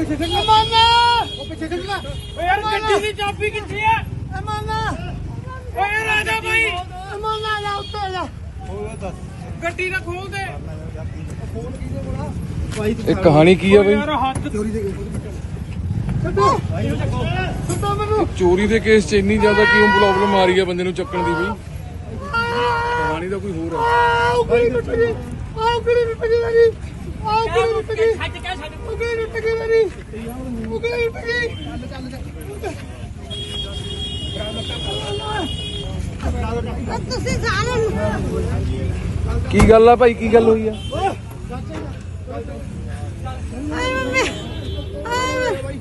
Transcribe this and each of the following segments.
ਪਿੱਛੇ ਖੜ ਲੈ ਉਹ ਪਿੱਛੇ ਖੜ ਲੈ ਓ ਯਾਰ ਗੱਡੀ ਦੀ ਚਾਬੀ ਕਿੱਥੇ ਆ ਅਮਾਨਾ ਓ ਯਾਰ ਆ ਜਾ ਭਾਈ ਅਮਾਨਾ ਆ ਉੱਤੇ ਜਾ ਓ ਦੱਸ ਗੱਡੀ ਨਾ ਖੋਲ ਦੇ ਫੋਨ ਕਿਹਦੇ ਕੋਲ ਆ ਭਾਈ ਇਹ ਕਹਾਣੀ ਕੀ ਆ ਬਈ? ਯਾਰ ਹੱਥ ਚੋਰੀ ਦੇ ਛੱਡੋ ਭਾਈ ਉਹ ਚੱਕੋ ਛੱਡੋ ਮੈਨੂੰ ਚੋਰੀ ਦੇ ਕੇਸ 'ਚ ਇੰਨੀ ਜ਼ਿਆਦਾ ਕਿਉਂ ਪ੍ਰੋਬਲਮ ਆ ਰਹੀ ਆ ਬੰਦੇ ਨੂੰ ਚੱਕਣ ਦੀ ਬਈ? ਕਹਾਣੀ ਦਾ ਕੋਈ ਹੋਰ ਆ। ਆਓ ਗੜੀ ਟੁੱਟ ਗਈ ਆਓ ਗੜੀ ਟੁੱਟ ਗਈ ਮੇਰੀ ਆਓ ਗੜੀ ਟੁੱਟ ਗਈ ਛੱਡ ਕੇ ਛੱਡ ਉਹ ਗੜੀ ਟੁੱਟ ਗਈ ਮੇਰੀ ਉਹ ਗੜੀ ਟੁੱਟ ਗਈ ਤੁਸੀਂ ਸਾਰੇ ਕੀ ਗੱਲ ਆ ਭਾਈ, ਕੀ ਗੱਲ ਹੋਈ ਆ? ਆਏ ਮੰਮੀ ਆਏ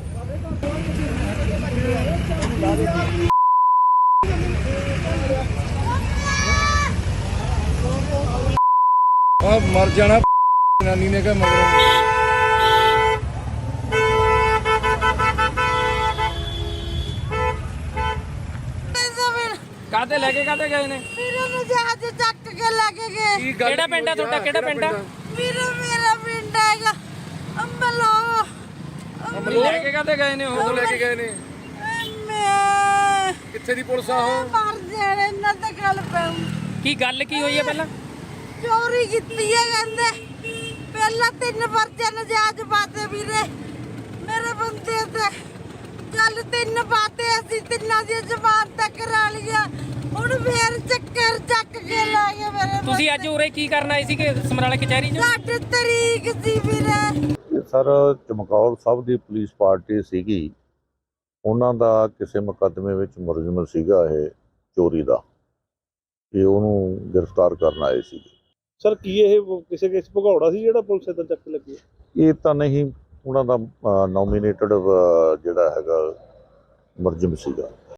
ਆ ਮਰ ਜਾਣਾ ਨਾਨੀ ਨੇ ਕਿਹਾ ਮਗਰ। ਕਾਹਤੇ ਲੈ ਕੇ ਕਾਹਤੇ ਗਏ ਨੇ? ਵੀਰੇ ਨੂੰ ਜਹਾਜ਼ ਚੱਕ ਕੇ ਲੈ ਕੇ ਗਏ। ਕਿਹੜਾ ਪਿੰਡ ਆ ਤੁਹਾਡਾ? ਕਿਹੜਾ ਪਿੰਡ ਆ? ਵੀਰੇ ਮੇਰਾ ਪਿੰਡ ਹੈਗਾ ਅੰਬਲੋ। ਲੈ ਕੇ ਕਾਹਤੇ ਗਏ ਨੇ? ਉਹ ਤੋਂ ਲੈ ਕੇ ਗਏ ਨੇ। ਮੈਂ ਕਿੱਥੇ ਦੀ ਪੁਲਿਸ ਆ ਉਹ? ਮਰ ਜਾਣਾ ਇਹਨਾਂ ਤੇ ਗੱਲ ਪੈਉ। ਕੀ ਗੱਲ ਕੀ ਹੋਈ ਹੈ ਪਹਿਲਾਂ? ਚੋਰੀ ਕੀਤੀ ਹੈ ਕਹਿੰਦੇ। ਪਹਿਲਾਂ 3 ਪਰਚੇ ਨਜਾਇਜ਼ ਪਾਤੇ ਵੀਰੇ ਮੇਰੇ ਬੰਦੇ ਤੇ। ਕੱਲ 3 ਪਾਤੇ ਅਸੀਂ ਤਿੰਨਾਂ ਦੀ ਜ਼ਬਾਨ ਤੱਕ ਕਰਾ ਲਿਆ। ਹੁਣ ਫੇਰ ਚੱਕਰ ਚੱਕ ਕੇ ਲੈ ਗਏ ਮੇਰੇ ਤੁਸੀਂ ਅੱਜ ਉਰੇ ਕੀ ਕਰਨ ਆਏ ਸੀਗੇ ਸਮਰਾਲਾ ਕਚਹਿਰੀ 'ਚ? 8 ਤਰੀਕ ਸੀ ਵੀਰੇ। ਸਰ ਚਮਕੌਰ ਸਾਹਿਬ ਦੀ ਪੁਲਿਸ ਪਾਰਟੀ ਸੀਗੀ, ਉਹਨਾਂ ਦਾ ਕਿਸੇ ਮੁਕੱਦਮੇ ਵਿੱਚ ਮੁਲਜ਼ਮ ਸੀਗਾ ਇਹ ਚੋਰੀ ਦਾ, ਇਹ ਉਹਨੂੰ ਗ੍ਰਿਫਤਾਰ ਕਰਨ ਆਏ ਸੀਗੇ। ਸਰ ਕੀ ਇਹ ਕਿਸੇ ਕੇਸ ਭਗੌੜਾ ਸੀ ਜਿਹੜਾ ਪੁਲਿਸ ਇੱਦਾਂ ਚੱਕ ਲੱਗੀ? ਇਹ ਤਾਂ ਨਹੀਂ, ਉਹਨਾਂ ਦਾ ਨੋਮੀਨੇਟਡ ਜਿਹੜਾ ਹੈਗਾ ਮੁਲਜ਼ਮ ਸੀਗਾ।